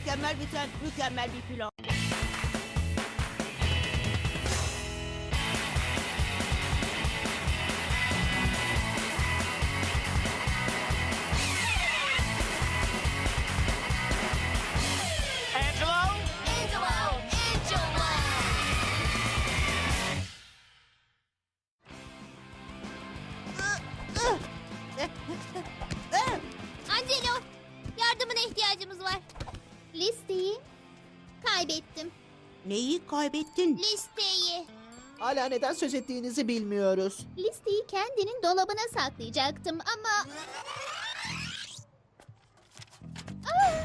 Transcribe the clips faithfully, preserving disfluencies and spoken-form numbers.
Mükemmel biten mükemmel bir plan. Angelo? Angelo! Angelo! Angelo! Yardımına ihtiyacımız var. Listeyi kaybettim. Neyi kaybettin? Listeyi. Hala neden söz ettiğinizi bilmiyoruz. Listeyi kendinin dolabına saklayacaktım ama... Ah!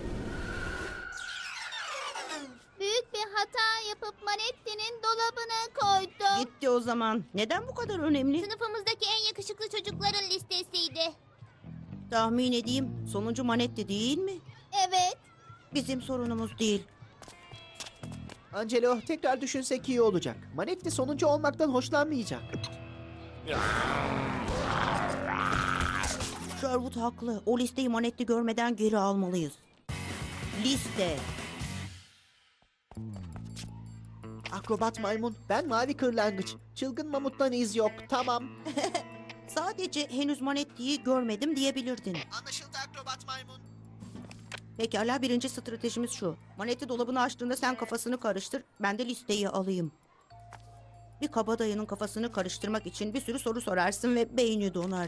Büyük bir hata yapıp Manetti'nin dolabına koydum. Gitti o zaman. Neden bu kadar önemli? Sınıfımızdaki en yakışıklı çocukların listesiydi. Tahmin edeyim. Sonuncu Manetti değil mi? Evet. Bizim sorunumuz değil. Angelo, tekrar düşünsek iyi olacak. Manetti sonuncu olmaktan hoşlanmayacak. Sherwood haklı. O listeyi Manetti görmeden geri almalıyız. Liste. Akrobat maymun, ben mavi kırlangıç. Çılgın mamuttan iz yok, tamam. Sadece henüz Manetti'yi görmedim diyebilirdin. Anlaşıldı akrobat maymun. Pekala, birinci stratejimiz şu. Manetti dolabını açtığında sen kafasını karıştır. Ben de listeyi alayım. Bir kabadayının kafasını karıştırmak için bir sürü soru sorarsın ve beyni donar.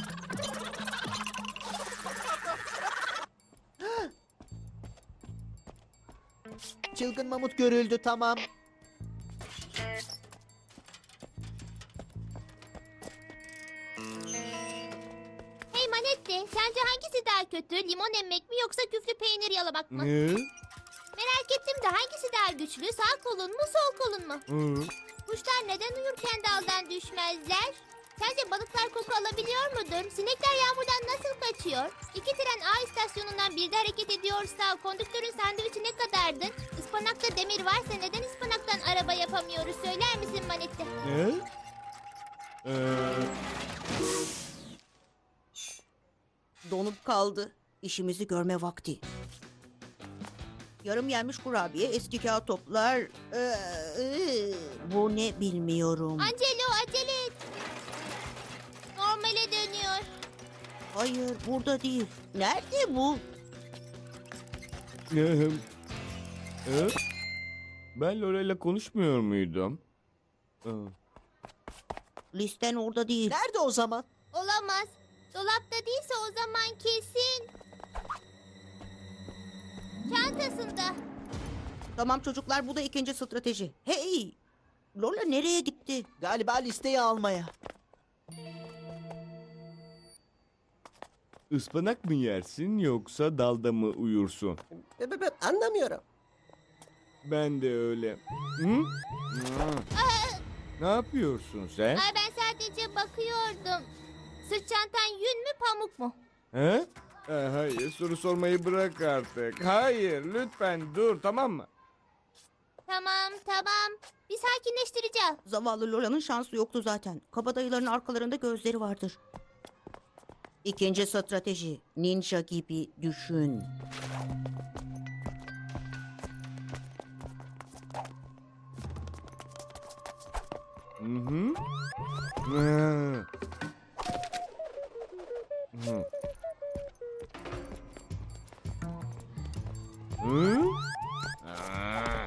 Çılgın mamut görüldü, tamam. Hey Manetti, sence hangisi daha kötü? Limon emmek mi yoksa küflü peynir yalamak mı? Ne? Merak ettim de hangisi daha güçlü? Sağ kolun mu, sol kolun mu? Hı? Kuşlar neden uyurken daldan düşmezler? Sence balıklar koku alabiliyor mudur? Sinekler yağmurdan nasıl kaçıyor? İki tren A istasyonundan birde hareket ediyorsa kondüktörün sandviçi ne kadardı? Ispanakta demir varsa neden ıspanaktan araba yapamıyoruz? Söyler misin Manetti? Ne? Ee, Donup kaldı. İşimizi görme vakti. Yarım yenmiş kurabiye, eski kağıt toplar. Ee, ee, bu ne bilmiyorum. Angelo acele et. Normale dönüyor. Hayır, burada değil. Nerede bu? ne? Ee? Ben Lorel'le konuşmuyor muydum? Ee, Listen orada değil. Nerede o zaman? Olamaz. Dolapta değilse o zaman kesin. Çantasında. Tamam çocuklar, bu da ikinci strateji. Hey! Lola nereye gitti? Galiba listeyi almaya. Ispanak mı yersin yoksa dalda mı uyursun? B- b- b- Anlamıyorum. Ben de öyle. Hı? Ha. Ne yapıyorsun sen? Ay ben sadece bakıyordum. Sırt çantan yün mü pamuk mu? He? Ee, hayır, soru sormayı bırak artık. Hayır, lütfen dur, tamam mı? Tamam tamam. Bir sakinleştireceğim. Zavallı Lola'nın şansı yoktu zaten. Kabadayıların arkalarında gözleri vardır. İkinci strateji. Ninja gibi düşün. Hı hı. Hı. Hı. Hı? Aa.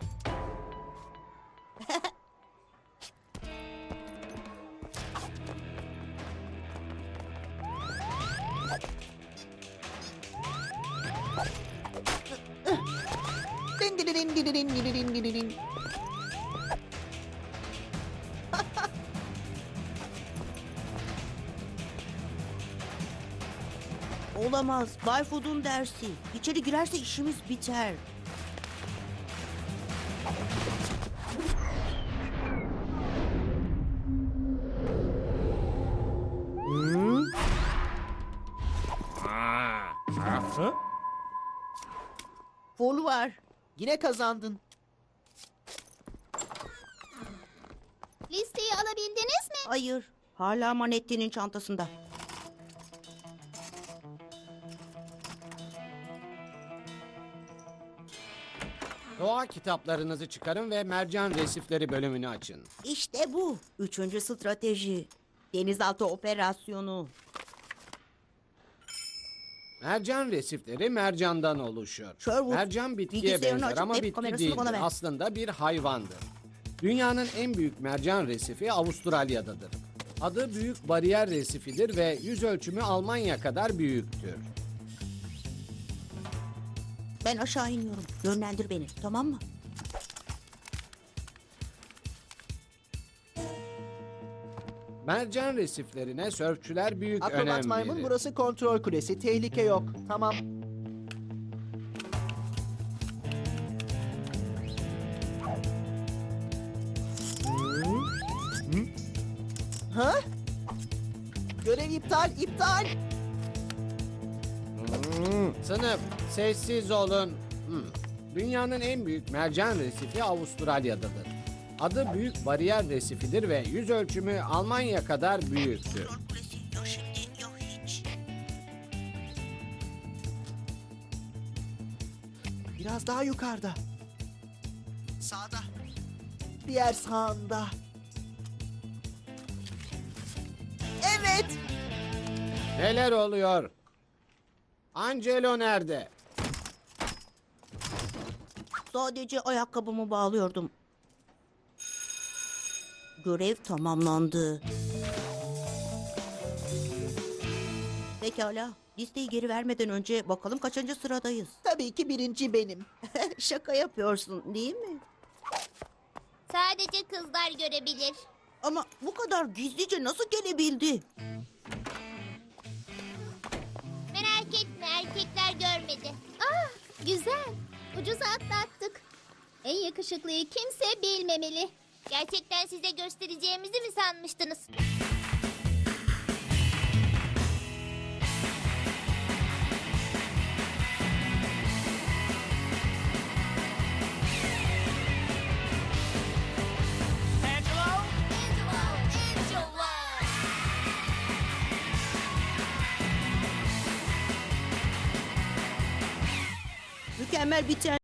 Din din din din din din din din din. Olamaz. Bay Food'un dersi. İçeri girerse işimiz biter. Hı? Aa. Ha? Fol var. Yine kazandın. Listeyi alabildiniz mi? Hayır. Hala Manetti'nin çantasında. Doğa kitaplarınızı çıkarın ve mercan resifleri bölümünü açın. İşte bu. Üçüncü strateji. Denizaltı operasyonu. Mercan resifleri mercandan oluşur. Sherwood, Mercan bitkiye bilgisayarını benzer açıp ama web bitki kamerasını bana değildir. ver. Aslında bir hayvandır. Dünyanın en büyük mercan resifi Avustralya'dadır. Adı Büyük Bariyer Resifidir ve yüz ölçümü Almanya kadar büyüktür. Ben aşağı iniyorum. Yönlendir beni, tamam mı? Mercan resiflerine sörfçüler büyük Akrobat önem maymun verir. burası kontrol kulesi. Tehlike yok. Tamam. Ha? Görev iptal, iptal. Sınıf, sessiz olun. Hmm. Dünyanın en büyük mercan resifi Avustralya'dadır. Adı Büyük Bariyer Resifidir ve yüz ölçümü Almanya kadar büyüktür. Kulesi ya şimdi ya hiç. Biraz daha yukarıda. Sağda. Diğer sağında. Evet. Neler oluyor? Angelo nerede? Sadece ayakkabımı bağlıyordum. Görev tamamlandı. Pekala. Listeyi geri vermeden önce bakalım kaçıncı sıradayız. Tabii ki birinci benim. Şaka yapıyorsun değil mi? Sadece kızlar görebilir. Ama bu kadar gizlice nasıl gelebildi? Merak etme, erkekler görmedi. Ah, güzel. Ucuza atlattık. En yakışıklıyı kimse bilmemeli. Gerçekten size göstereceğimizi mi sanmıştınız? Mükemmel biten